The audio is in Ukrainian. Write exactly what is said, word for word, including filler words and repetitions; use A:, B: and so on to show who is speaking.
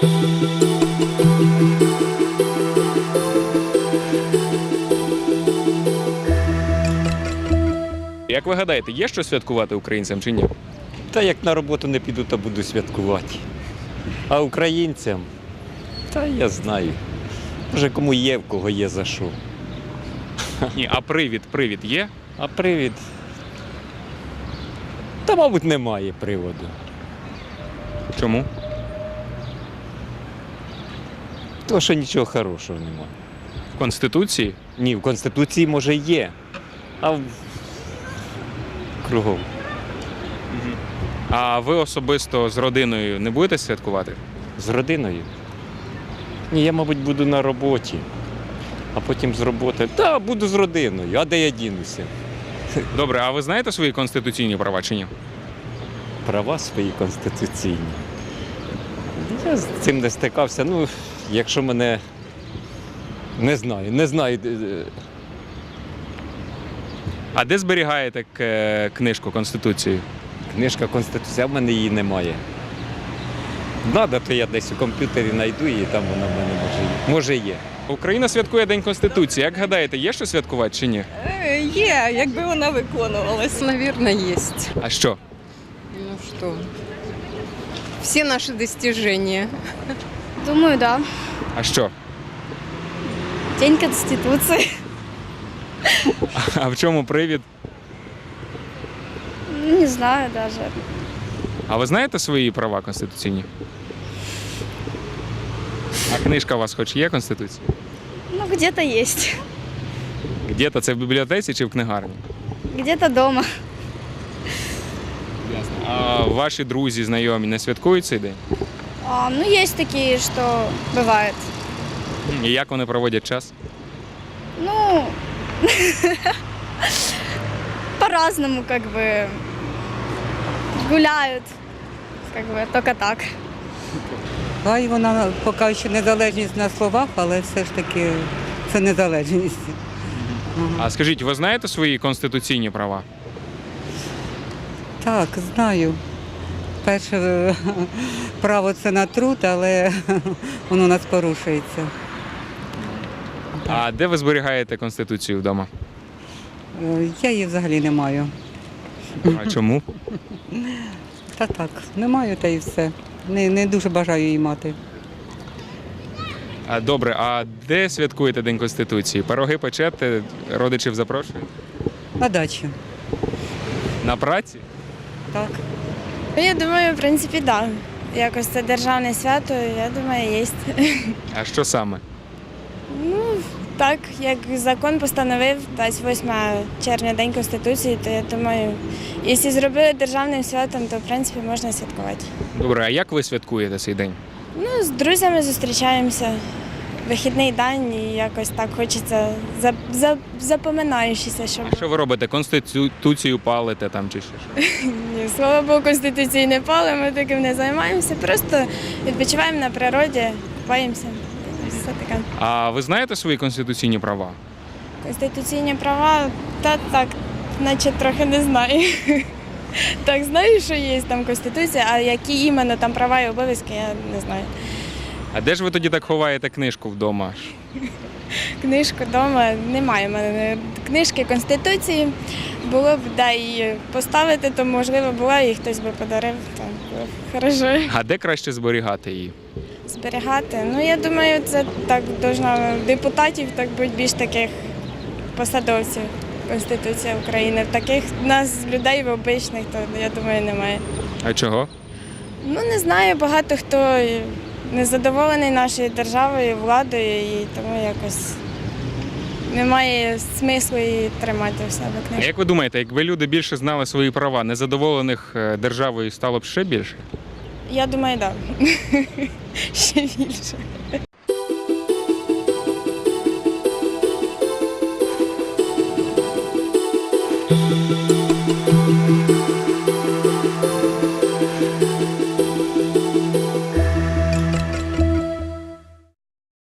A: Як ви гадаєте, є що святкувати українцям чи ні?
B: Та як на роботу не піду, то буду святкувати. А українцям, та я знаю. Може, кому є, в кого є за що.
A: Ні, а привід, привід є?
B: А привід? Та, мабуть, немає приводу.
A: Чому?
B: Тому що нічого хорошого немає.
A: В Конституції?
B: Ні, в Конституції, може, є, а в... кругом.
A: А ви особисто з родиною не будете святкувати?
B: З родиною? Ні, я, мабуть, буду на роботі, а потім з роботи. Та, буду з родиною, а де я дінуся?
A: Добре, а ви знаєте свої конституційні права чи ні?
B: Права свої конституційні. Я з цим не стикався. Ну, якщо мене не знаю, не знаю.
A: А де зберігаєте к- книжку Конституції?
B: Книжка Конституція, а в мене її немає. Надо, то я десь у комп'ютері знайду її, там вона в мене може є. Може є.
A: Україна святкує День Конституції. Як гадаєте, є що святкувати чи ні?
C: Е, Є, якби вона виконувалась.
D: Наверное, есть.
A: А що?
D: Ну что? Все наши достижения.
E: Думаю, да.
A: А що?
E: День Конституции.
A: А в чому привід?
E: Ну, не знаю даже.
A: А ви знаєте свої права конституційні? А книжка у вас хоч є Конституція?
E: Ну, где-то есть.
A: Де-то це в бібліотеці чи в книгарні?
E: Где-то дома.
A: А ваші друзі, знайомі не святкують цей день?
E: А, ну, есть такие, что бывает.
A: І як вони проводять час?
E: Ну, по-разному, как бы, гуляют, как бы, только так.
F: Хай вона поки що незалежність на словах, але все ж таки це незалежність.
A: А скажіть, ви знаєте свої конституційні права?
F: Так, знаю. Перше е, право це на труд, але воно у нас порушується.
A: А де ви зберігаєте Конституцію вдома?
F: Е, Я її взагалі не маю.
A: А чому?
F: Та так, не маю, та і все. Не, не дуже бажаю її мати.
A: А, добре, а де святкуєте День Конституції? Пироги печете, родичів запрошуєте?
F: На дачі.
A: На праці?
F: Так.
E: Я думаю, в принципі, да. Якось це державне свято, я думаю, є.
A: А що саме?
E: Ну, так, як закон постановив, дасть восьмого червня День Конституції, то я думаю, якщо зробили державним святом, то в принципі можна святкувати.
A: Добре, а як ви святкуєте цей день?
E: Ну, з друзями зустрічаємося. Вихідний день і якось так хочеться за, за, запоминаючися, щоб
A: А що ви робите? Конституцію палите там чи ще що?
E: ні, слава Богу, Конституції не пали, ми таким не займаємося. Просто відпочиваємо на природі, купаємося. Все таке.
A: А ви знаєте свої конституційні права?
E: Конституційні права, та так, наче трохи не знаю. Так, знаю, що є там Конституція, а які іменно там права і обов'язки, я не знаю.
A: А де ж ви тоді так ховаєте книжку вдома?
E: Книжку вдома немає в мене книжки Конституції. Було б да, і поставити, то можливо була, і хтось би подарив, то було б хорошо.
A: А де краще зберігати її?
E: Зберігати. Ну я думаю, це так должно депутатів, так бути більш таких посадовців. Конституція України. Таких нас людей обичних, то я думаю, немає.
A: А чого?
E: Ну не знаю, багато хто незадоволений нашою державою, владою, і тому якось немає смислу її тримати в себе
A: А
E: книжку.
A: як ви думаєте, якби люди більше знали свої права, незадоволених е, державою стало б ще більше?
E: Я думаю, так. Да. Ще більше.